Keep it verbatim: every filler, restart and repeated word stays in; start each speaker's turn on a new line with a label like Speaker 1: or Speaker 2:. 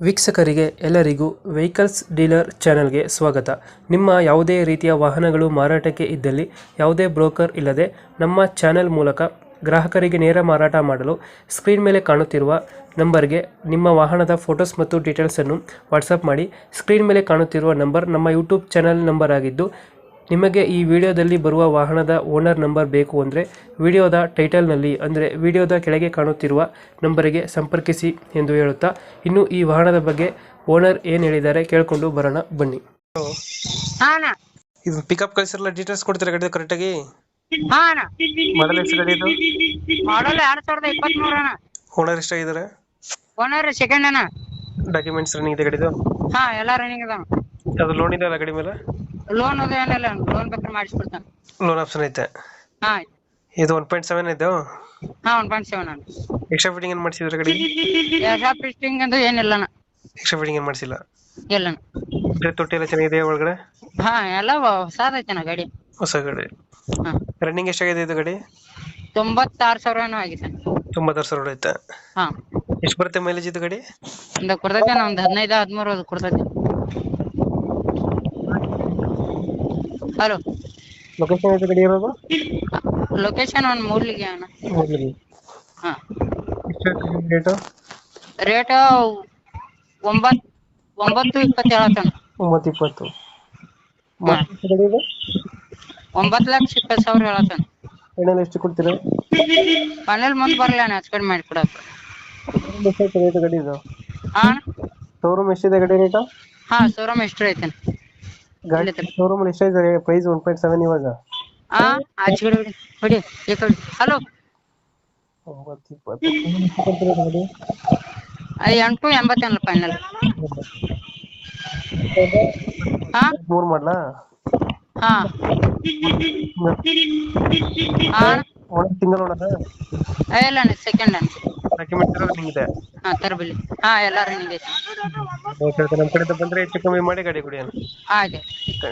Speaker 1: ವೀಕ್ಷಕರಿಗೆ ಎಲ್ಲರಿಗೂ vehicles dealer ಚಾನೆಲ್ಗೆ ಸ್ವಾಗತ. ನಿಮ್ಮ ಯಾವುದೇ ರೀತಿಯ ವಾಹನಗಳು ಮಾರಾಟಕ್ಕೆ ಇದ್ದಲ್ಲಿ ಯಾವುದೇ ಬ್ರೋಕರ್ ಇಲ್ಲದೆ ನಮ್ಮ ಚಾನೆಲ್ ಮೂಲಕ ಗ್ರಾಹಕರಿಗೆ ನೇರ ಮಾರಾಟ ಮಾಡಲು ಸ್ಕ್ರೀನ್ ಮೇಲೆ ಕಾಣುತ್ತಿರುವ ನಂಬರ್ಗೆ ನಿಮ್ಮ ವಾಹನದ ಫೋಟೋಸ್ ಮತ್ತು ಡೀಟೇಲ್ಸನ್ನು ವಾಟ್ಸಪ್ ಮಾಡಿ. ಸ್ಕ್ರೀನ್ ಮೇಲೆ ಕಾಣುತ್ತಿರುವ ನಂಬರ್ ನಮ್ಮ ಯೂಟ್ಯೂಬ್ ಚಾನೆಲ್ ನಂಬರ್ ಆಗಿದ್ದು, ನಿಮಗೆ ಈ ವಿಡಿಯೋದಲ್ಲಿ ಬರುವ ವಾಹನದ ಓನರ್ ನಂಬರ್ ಬೇಕು ಅಂದರೆ ವಿಡಿಯೋದ ಟೈಟಲ್ನಲ್ಲಿ ಅಂದರೆ ವಿಡಿಯೋದ ಕೆಳಗೆ ಕಾಣುತ್ತಿರುವ ನಂಬರಿಗೆ ಸಂಪರ್ಕಿಸಿ ಎಂದು ಹೇಳುತ್ತಾ, ಇನ್ನು ಈ ವಾಹನದ ಬಗ್ಗೆ ಓನರ್ ಏನು ಹೇಳಿದ್ದಾರೆ ಕೇಳಿಕೊಂಡು ಬರೋಣ ಬನ್ನಿ. ಇದು ಪಿಕಪ್ ಕಳಿಸಿರಲ್ಲ, ಡೀಟೇಲ್ಸ್ ಕೊಡ್ತೀರಾ ಗಾಡಿ ಕರೆಕ್ಟಾಗಿ? ಮಾಡಲ್ ಎಷ್ಟು ಗಾಡಿ ಇದು?
Speaker 2: ಮಾಡಲ್ ಎರಡ್ ಸಾವಿರದ ಇಪ್ಪತ್ಮೂರ ಅಣ್ಣ.
Speaker 1: ಓನರ್ ಎಷ್ಟಾಗಿದ್ದಾರೆ?
Speaker 2: ಓನರ್ ಸೆಕೆಂಡ್ ಅಣ್ಣ.
Speaker 1: ಡಾಕ್ಯುಮೆಂಟ್ಸ್ ರನ್ನಿಂಗ್ ಇದೆ ಗಾಡಿದು?
Speaker 2: ಹಾ ಎಲ್ಲ ರನ್ನಿಂಗ್ ಅದ.
Speaker 1: ಅದು ಲೋನ್ ಇದೆ ಅಲ್ಲ ಗಾಡಿ ಮೇಲೆ?
Speaker 2: ಲೋನ್ ಅದು ಏನಿಲ್ಲ, ಲೋನ್ ಬೇಕಾದ್ರೆ ಮಾಡಿಸ್ಕೊಡ್ತಾನೆ.
Speaker 1: ಲೋನ್ ಆಪ್ಷನ್ ಐತೆ?
Speaker 2: ಹಾ
Speaker 1: ಇದು ಒನ್ ಪಾಯಿಂಟ್ ಸೆವೆನ್ ಇದು?
Speaker 2: ಹಾ ಒನ್ ಪಾಯಿಂಟ್ ಸೆವೆನ್ ಅಣ್ಣ.
Speaker 1: ಎಕ್ಸ್ಟ್ರಾ ಫಿಟ್ಟಿಂಗ್ ಏನು ಮಾಡಿಸಿದ್ರೆ ಗಾಡಿ?
Speaker 2: ಎಕ್ಸ್ಟ್ರಾ ಫಿಟ್ಟಿಂಗ್ ಅಂತ ಏನಿಲ್ಲ ಅಣ್ಣ.
Speaker 1: ಎಕ್ಸ್ಟ್ರಾ ಫಿಟ್ಟಿಂಗ್ ಏನು ಮಾಡಿಸಿಲ್ಲ?
Speaker 2: ಇಲ್ಲ ಅಣ್ಣ.
Speaker 1: ತೊಟ್ಟಿ ಎಲ್ಲ ಚೆನ್ನಾಗಿದೆ ಒಳಗಡೆ?
Speaker 2: ಹಾ ಎಲ್ಲ ಹೊಸಾದೈತೆ ಅಣ್ಣ ಗಾಡಿ.
Speaker 1: ಹೊಸ ಗಾಡಿ.
Speaker 2: ಹಾ
Speaker 1: ರನ್ನಿಂಗ್ ಎಷ್ಟಾಗಿದೆ ಇದು ಗಾಡಿ?
Speaker 2: ತೊಂಬತ್ತಾರು ಸಾವಿರ ಏನೋ ಆಗಿದೆ.
Speaker 1: ತೊಂಬತ್ತಾರು ಸಾವಿರ ಐತೆ.
Speaker 2: ಹಾ
Speaker 1: ಎಷ್ಟು ಬರುತ್ತೆ ಮೈಲೇಜ್ ಇದು ಗಾಡಿ?
Speaker 2: ಒಂದು ಕೊಡ್ತೈತೆ ಅಣ್ಣ, ಒಂದು ಹದಿನೈದು ಹದಿಮೂರು ಅದು ಕೊಡ್ತೈತೆ. ಹಲೋ,
Speaker 1: ಲೊಕೇಶನ್ ಐತೆ ಗಾಡಿ ಇರೋದು?
Speaker 2: ಲೊಕೇಶನ್ ಒಂದು ಮೂರ್ಲಿಗೆ ಅಣ್ಣ. ಹಾ
Speaker 1: ರೇಟು?
Speaker 2: ರೇಟ್ ಒಂಬತ್ತು ಒಂಬತ್ತು ಇಪ್ಪತ್ತು ಹೇಳತ್ತಣ್ಣ.
Speaker 1: ಒಂಬತ್ತು ಇಪ್ಪತ್ತು.
Speaker 2: ಹಾ ಒಂಬತ್ತು ಲಕ್ಷ ಇಪ್ಪತ್ತು ಸಾವಿರ ಹೇಳತ್ತಣ್ಣ.
Speaker 1: ಫೈನಲ್ ಎಷ್ಟು ಕೊಡ್ತೀರಾ?
Speaker 2: ಫೈನಲ್ ಮುಂದೆ ಬರಲ್ಲ ಅಣ್ಣ, ಹೆಚ್ಚು ಕಡಿಮೆ ಮಾಡಿ ಕೊಡಕ್ಕೆ.
Speaker 1: ಎಷ್ಟೈತೆ ರೇಟ್ ಗಾಡಿ ಇದು?
Speaker 2: ಹಾ
Speaker 1: ಶೋರೂಮ್ ಎಷ್ಟಿದೆ ಗಾಡಿ ರೇಟು?
Speaker 2: ಹಾ ಶೋರೂಮ್ ಎಷ್ಟು ಐತೆ
Speaker 1: ಗಾಡಿ ಶೋರೂಮ್ ಎಷ್ಟೈತೆ ಪ್ರೈಸ್? ಒನ್ ಪಾಯಿಂಟ್ ಸೆವೆನ್ ಇವಾಗ.
Speaker 2: ಹಾ ಆಚೆ ಕಡೆ ಹೊಡಿ ಹೊಡಿ ಈ ಕಡೆ. ಹಲೋ,
Speaker 1: ಒಂಬತ್ತು ಇಪ್ಪತ್ತು ಗಾಡಿ
Speaker 2: ಎಂಟು ಎಂಬತ್ತೇನಲ್ಲ ಫೈನಲ್. ಹಾ
Speaker 1: ಮೂರು ಮಾಡಲಾ?
Speaker 2: ಹಾ ಹಾ
Speaker 1: ಒಳಗೆ ಸಿಂಗಲ್ ಓನರ್?
Speaker 2: ಇಲ್ಲ ಅಣ್ಣ ಸೆಕೆಂಡ್ ಅಣ್ಣ.
Speaker 1: ಡಾಕ್ಯುಮೆಂಟ್ಸ್ ಎಲ್ಲ ರನ್ನಿಂಗ್ ಇದೆ?
Speaker 2: ಹಾ ತರಬಿಲ್ಲಿ. ಹಾ ಎಲ್ಲ ರನ್ನಿಂಗ್ ಐತೆ.
Speaker 1: ನಮ್ಮ ಕಡೆಯಿಂದ ಬಂದರೆ ಹೆಚ್ಚು ಕಮ್ಮಿ ಮಾಡಿ ಗಾಡಿ ಕೊಡಿ ಅಣ್ಣ.
Speaker 2: ಆಯ್ತು.